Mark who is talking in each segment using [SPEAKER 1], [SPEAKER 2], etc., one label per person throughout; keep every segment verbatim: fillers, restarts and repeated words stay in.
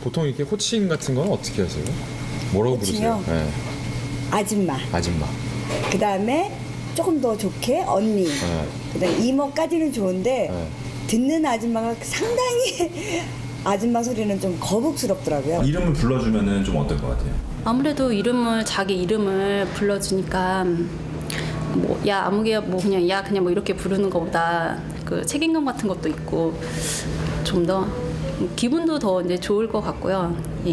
[SPEAKER 1] 보통 이렇게 호칭 같은 건 어떻게 하세요? 뭐라고
[SPEAKER 2] 호칭이요?
[SPEAKER 1] 부르세요? 네.
[SPEAKER 2] 아줌마.
[SPEAKER 1] 아줌마.
[SPEAKER 2] 그 다음에 조금 더 좋게 언니.
[SPEAKER 1] 네.
[SPEAKER 2] 그 다음에 이모까지는 좋은데
[SPEAKER 1] 네.
[SPEAKER 2] 듣는 아줌마가 상당히 아줌마 소리는 좀 거북스럽더라고요.
[SPEAKER 3] 이름을 불러주면은 좀 어떨 것 같아요?
[SPEAKER 4] 아무래도 이름을 자기 이름을 불러주니까 뭐 야 아무개야 뭐 그냥 야 그냥 뭐 이렇게 부르는 것보다 그 책임감 같은 것도 있고 좀 더 기분도 더 이제 좋을 것 같고요. 예.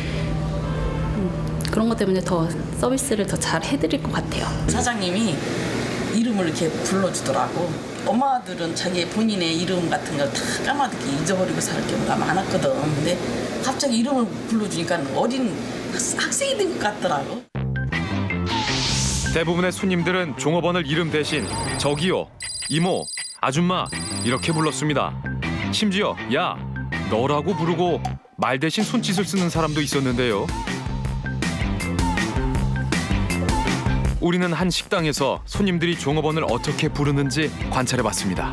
[SPEAKER 4] 음, 그런 것 때문에 더 서비스를 더 잘 해드릴 것 같아요.
[SPEAKER 5] 사장님이 이름을 이렇게 불러주더라고. 엄마들은 자기 본인의 이름 같은 걸 다 까마득히 잊어버리고 살 경우가 많았거든. 근데 갑자기 이름을 불러주니까 어린 학생이 된 것 같더라고.
[SPEAKER 6] 대부분의 손님들은 종업원을 이름 대신 저기요, 이모, 아줌마 이렇게 불렀습니다. 심지어 야, 너라고 부르고 말 대신 손짓을 쓰는 사람도 있었는데요. 우리는 한 식당에서 손님들이 종업원을 어떻게 부르는지 관찰해봤습니다.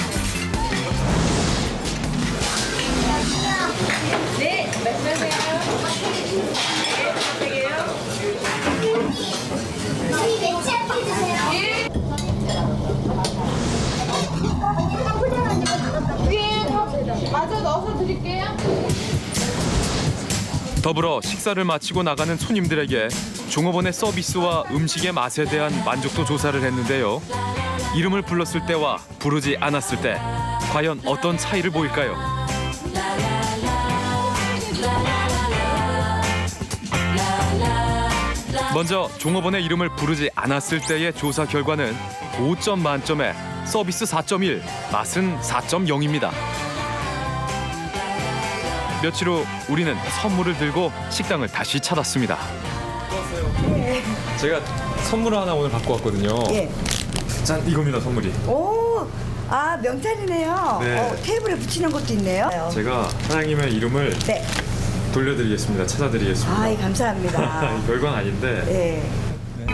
[SPEAKER 6] 더불어 식사를 마치고 나가는 손님들에게 종업원의 서비스와 음식의 맛에 대한 만족도 조사를 했는데요. 이름을 불렀을 때와 부르지 않았을 때 과연 어떤 차이를 보일까요? 먼저 종업원의 이름을 부르지 않았을 때의 조사 결과는 오 점 만점에 서비스 사 점 일, 맛은 사 점 영입니다. 며칠 후 우리는 선물을 들고 식당을 다시 찾았습니다.
[SPEAKER 1] 제가 선물을 하나 오늘 갖고 왔거든요.
[SPEAKER 2] 예.
[SPEAKER 1] 짠, 이겁니다, 선물이.
[SPEAKER 2] 오, 아 명찰이네요.
[SPEAKER 1] 네.
[SPEAKER 2] 어, 테이블에 붙이는 것도 있네요.
[SPEAKER 1] 제가 사장님의 이름을
[SPEAKER 2] 네.
[SPEAKER 1] 돌려드리겠습니다. 찾아드리겠습니다.
[SPEAKER 2] 아이 감사합니다.
[SPEAKER 1] 별건 아닌데.
[SPEAKER 2] 예.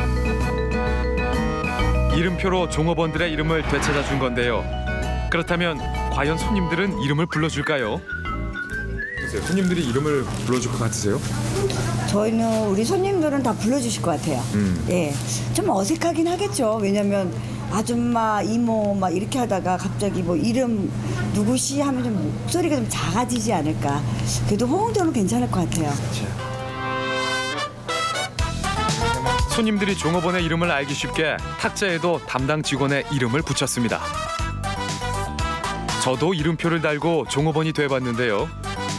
[SPEAKER 6] 이름표로 종업원들의 이름을 되찾아 준 건데요. 그렇다면 과연 손님들은 이름을 불러줄까요?
[SPEAKER 1] 글쎄요, 손님들이 이름을 불러줄 것 같으세요?
[SPEAKER 2] 저희는 우리 손님들은 다 불러주실 것 같아요.
[SPEAKER 1] 음.
[SPEAKER 2] 예, 좀 어색하긴 하겠죠. 왜냐면 아줌마, 이모 막 이렇게 하다가 갑자기 뭐 이름 누구시 하면 좀 목소리가 좀 작아지지 않을까. 그래도 호응도는 괜찮을 것 같아요.
[SPEAKER 6] 손님들이 종업원의 이름을 알기 쉽게 탁자에도 담당 직원의 이름을 붙였습니다. 저도 이름표를 달고 종업원이 돼봤는데요.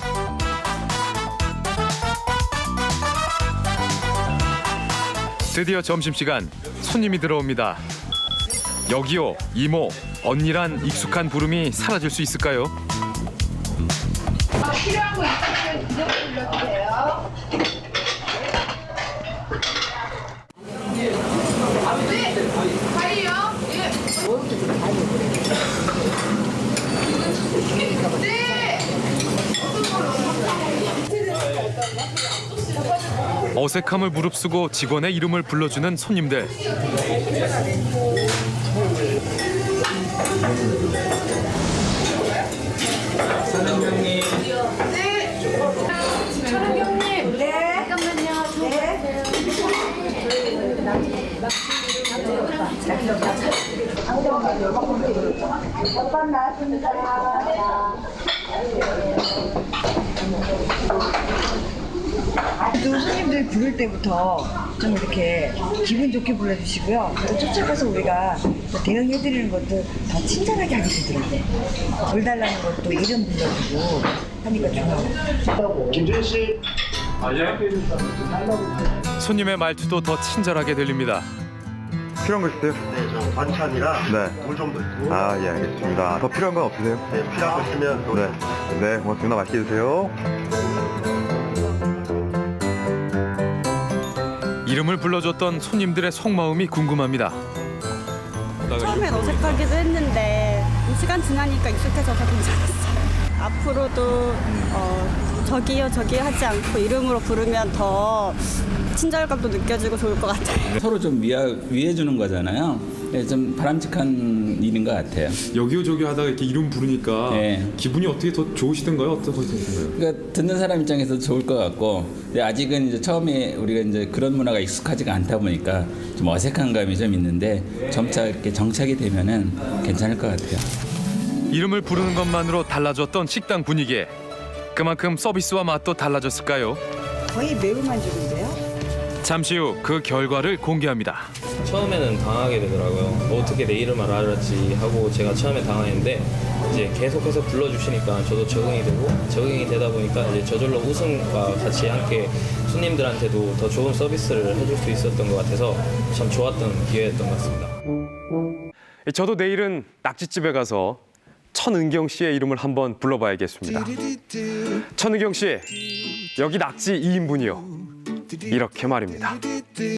[SPEAKER 6] 드디어 점심시간, 손님이 들어옵니다. 여기요, 이모, 언니란 익숙한 부름이 사라질 수 있을까요?
[SPEAKER 7] 필요한 거 있으면 이름 불러주세요. 네, 파이요. 예. 네.
[SPEAKER 6] 어색함을 무릅쓰고 직원의 이름을 불러주는 손님들.
[SPEAKER 7] 네. 천원경님.
[SPEAKER 2] 네.
[SPEAKER 7] 잠깐만요.
[SPEAKER 2] 네. 오빠 나왔습니다. 또 손님들 부를 때부터 좀 이렇게 기분 좋게 불러주시고요. 또 쫓아가서 우리가 또 대응해드리는 것도 더 친절하게 하게 되더라고요. 물 달라는 것도 이름 불러주고 하니까 좋아요.
[SPEAKER 8] 김준 씨.
[SPEAKER 6] 손님의 말투도 더 친절하게 들립니다.
[SPEAKER 9] 필요한 거 있으세요?
[SPEAKER 8] 네, 저 반찬이랑
[SPEAKER 9] 네.
[SPEAKER 8] 물 좀 넣고.
[SPEAKER 9] 아, 예, 알겠습니다. 더 필요한 건 없으세요?
[SPEAKER 8] 네, 필요한 거 있으면 또.
[SPEAKER 9] 네. 네, 고맙습니다. 맛있게 드세요.
[SPEAKER 6] 이름을 불러줬던 손님들의 속마음이 궁금합니다.
[SPEAKER 10] 처음엔 어색하기도 했는데 시간 지나니까 익숙해져서 괜찮았어요. 앞으로도 어, 저기요 저기요 하지 않고 이름으로 부르면 더 친절감도 느껴지고 좋을 것 같아요.
[SPEAKER 11] 서로 좀 위하, 위해 주는 거잖아요. 네, 좀 바람직한 일인 것 같아요.
[SPEAKER 1] 여기요 저기요 하다가 이렇게 이름 부르니까
[SPEAKER 11] 네.
[SPEAKER 1] 기분이 어떻게 더 좋으시던가요? 어떠셨어요?
[SPEAKER 11] 그러니까 듣는 사람 입장에서 좋을 것 같고, 근데 아직은 이제 처음에 우리가 이제 그런 문화가 익숙하지가 않다 보니까 좀 어색한 감이 좀 있는데 점차 이렇게 정착이 되면은 괜찮을 것 같아요.
[SPEAKER 6] 이름을 부르는 것만으로 달라졌던 식당 분위기. 그만큼 서비스와 맛도 달라졌을까요?
[SPEAKER 2] 거의 매운만죽인데요.
[SPEAKER 6] 잠시 후 그 결과를 공개합니다.
[SPEAKER 12] 처음에는 당하게 되더라고요. 어떻게 내 이름을 알았지 하고 제가 처음에 당했는데 이제 계속해서 불러주시니까 저도 적응이 되고 적응이 되다 보니까 이제 저절로 웃음과 같이 함께 손님들한테도 더 좋은 서비스를 해줄 수 있었던 것 같아서 참 좋았던 기회였던 것 같습니다.
[SPEAKER 6] 저도 내일은 낙지집에 가서 천은경 씨의 이름을 한번 불러봐야겠습니다. 천은경 씨, 여기 낙지 이 인분이요. 이렇게 말입니다.